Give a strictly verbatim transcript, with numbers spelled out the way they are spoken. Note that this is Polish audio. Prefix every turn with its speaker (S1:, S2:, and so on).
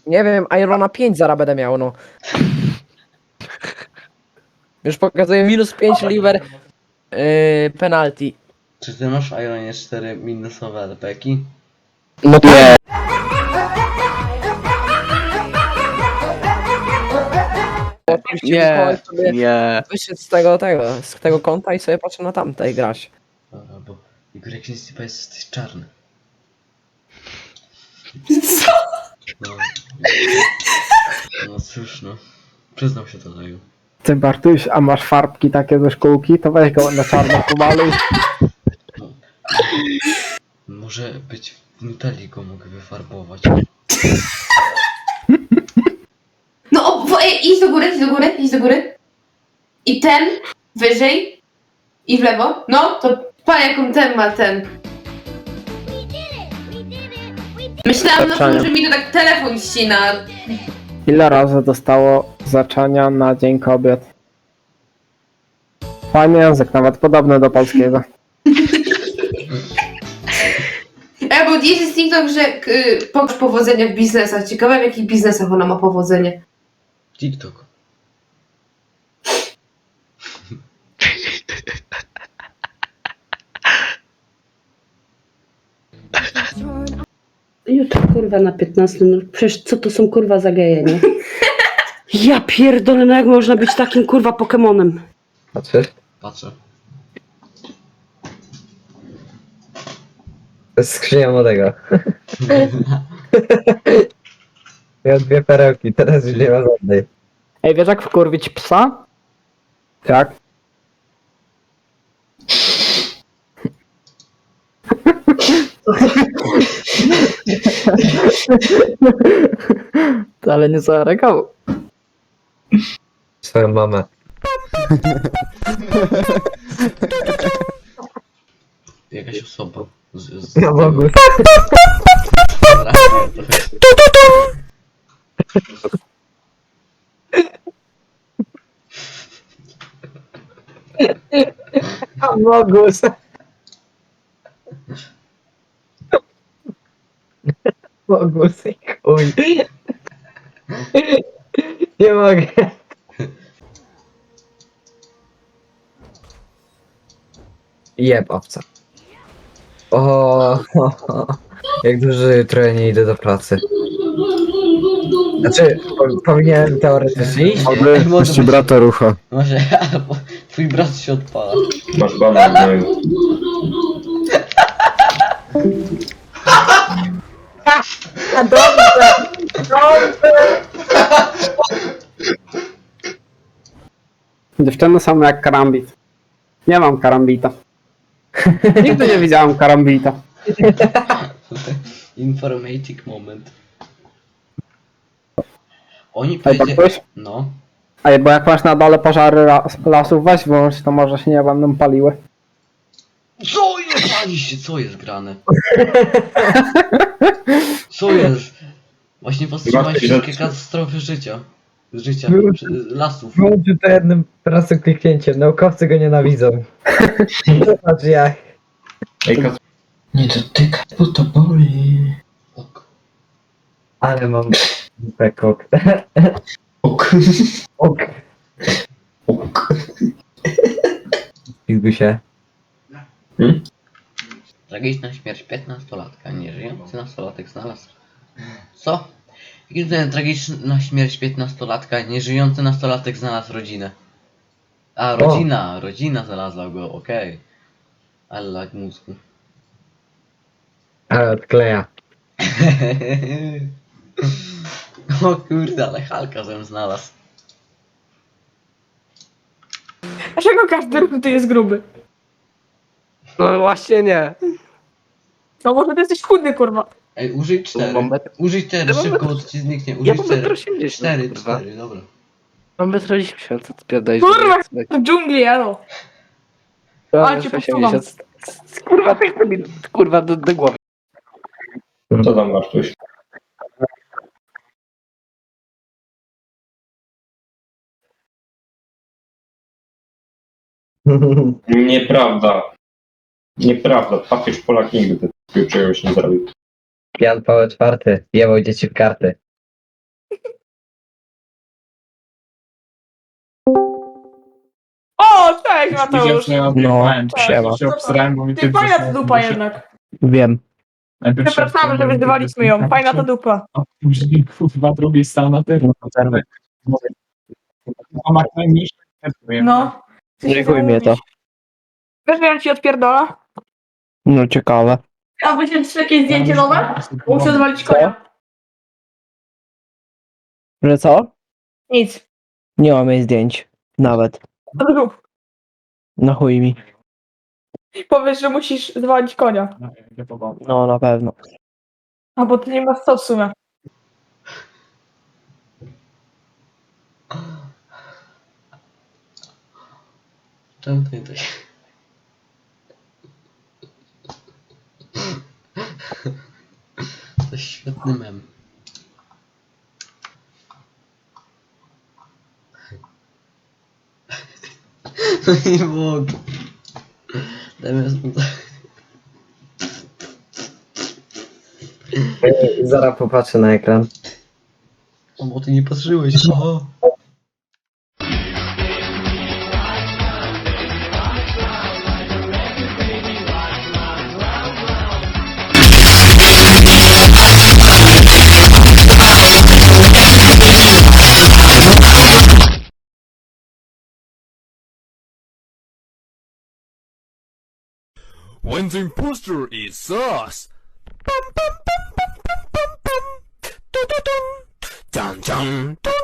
S1: Nie wiem, Irona pięć zaraz będę miał, no. Już pokazuję minus pięć liver yy, penalty.
S2: Czy ty masz w Ironie cztery minusowe L P ki?
S1: No to nie.
S3: Nie, nie.
S1: Wyszedł z tego, tego, z tego konta i sobie patrzę na tamte i grać.
S2: Dobra, bo Igor, jak się stypa jesteś czarny.
S4: Co?
S2: No, no cóż no. Przyznał się do tego.
S5: Ty Bartuś, a masz farbki takie ze szkółki, to weź go na czarno pomaluj.
S2: No. Może być w Nutelli go mogę wyfarbować.
S4: No, o, wo- ej, idź do góry, idź do góry, idź do góry. I ten, wyżej. I w lewo. No, to pan jaką ten ma ten. Myślałam na tym, że mi to tak telefon ścina.
S5: Ile razy dostało zaczania na Dzień Kobiet? Fajny język, nawet podobny do polskiego.
S4: E, bo jest TikTok, że y, pokaż powodzenia w biznesach. Ciekawe, w jakich biznesach ona ma powodzenie.
S2: TikTok.
S6: Jutro kurwa na piętnaście, no przecież co to są kurwa za geje, nie? Ja pierdolę, no jak można być takim kurwa Pokemonem?
S7: Patrzysz?
S2: Patrzę.
S7: To jest skrzynia młodego. Miał dwie perełki, teraz już nie ma żadnej.
S5: Ej, wiesz jak wkurwić psa? Jak? Ale nie zareagał.
S7: Swoją mamę.
S2: Jakaś osoba. Z, z,
S7: Ja mogę.
S2: Dobra, trochę.
S7: Amogus. Amogus i chuj. Nie mogę. Jeb owca. O, jak dużo jutro ja nie idę do pracy. Znaczy, po, powinienem teoretycznie iść.
S2: Ej,
S8: Aby
S2: młody,
S8: puści brata rucha.
S2: Może, albo twój brat się odpala.
S8: Masz bana gnoju.
S5: Dziewczyny są jak karambit. Nie mam karambita. Nigdy nie widziałem karambita.
S2: Informatic moment. Oni
S5: Ej,
S2: powiedzieli...
S5: Bartuś?
S2: No.
S5: Ej, bo jak masz na dole pożary las, lasów, weź włącz, to może się nie będą paliły.
S2: Co jest? Pali się, co jest grane? Co jest? Właśnie powstrzymać wszystkie katastrofy życia. Życia, przy- lasów.
S7: Włączył to jednym prostym kliknięciem. Naukowcy go nienawidzą. Zobacz jak.
S8: Ej, Kas-
S9: Nie dotykaj, bo to boli.
S2: Ok.
S7: Ale mam pekok.
S9: Ok.
S7: Ok.
S9: Ok.
S7: Pizgu się.
S2: Tragiczna śmierć piętnastolatka. Nieżyjący nastolatek znalazł. Co? Jakim cudem tragiczna śmierć piętnastolatka, nieżyjący nastolatek znalazł rodzinę? A, rodzina, rodzina znalazła go, okej. Ale lag mózgu.
S7: Ale odkleja.
S2: O kurde, ale Halka żem znalazł.
S1: Dlaczego każdy ruch tu jest gruby?
S3: No właśnie nie.
S1: No może ty jesteś chudny, kurwa.
S2: Ej, użyj cztery.
S3: Mam metr,
S2: Użyj cztery,
S3: Ja mam
S2: szybko,
S3: metr-
S2: bo to ci zniknie.
S3: ja
S2: Użyj
S3: mam metr
S2: cztery.
S3: osiemdziesiąt,
S2: Cztery,
S3: kurwa.
S2: cztery, dobra.
S3: Mam metr osiemdziesiąt, co ty pierdolisz?
S1: Kurwa, w dżungli, elo. A, cię
S3: osiemdziesiąt. Kurwa, ty chce mi, kurwa, do, do głowy.
S8: Co tam masz tuś? Nieprawda. Nieprawda. Papież Polak nigdy takiego czegoś nie zrobił.
S7: Jan Paweł czwarty. Jebał dzieci w karty.
S10: Cześć Mateusz.
S3: No, siema.
S10: Ty fajna ta dupa jednak.
S3: Wiem.
S10: Przepraszamy, że wyzywaliśmy ją. Fajna ta dupa. No.
S3: Nie chuj mnie to.
S10: Wiesz, że ja ci odpierdola?
S3: No ciekawe.
S10: A wyślesz jakieś zdjęcie nowe? Muszę zwalić konia.
S3: Że co?
S10: Nic.
S3: Nie mam jej zdjęć. Nawet.
S10: Zrób.
S3: Na chuj mi.
S10: Powiesz, że musisz zwalić konia.
S3: No na pewno.
S10: A bo ty nie masz co w sumie.
S2: Czemu to nie tak? To jest świetny mem. No nie mogę. Dajmy
S7: Zaraz popatrzę na ekran.
S2: O, bo ty nie patrzyłeś. O.
S11: When the imposter is us. Bum, bum, bum, bum, bum, bum, bum. Dun, dun, dun, dun, dun.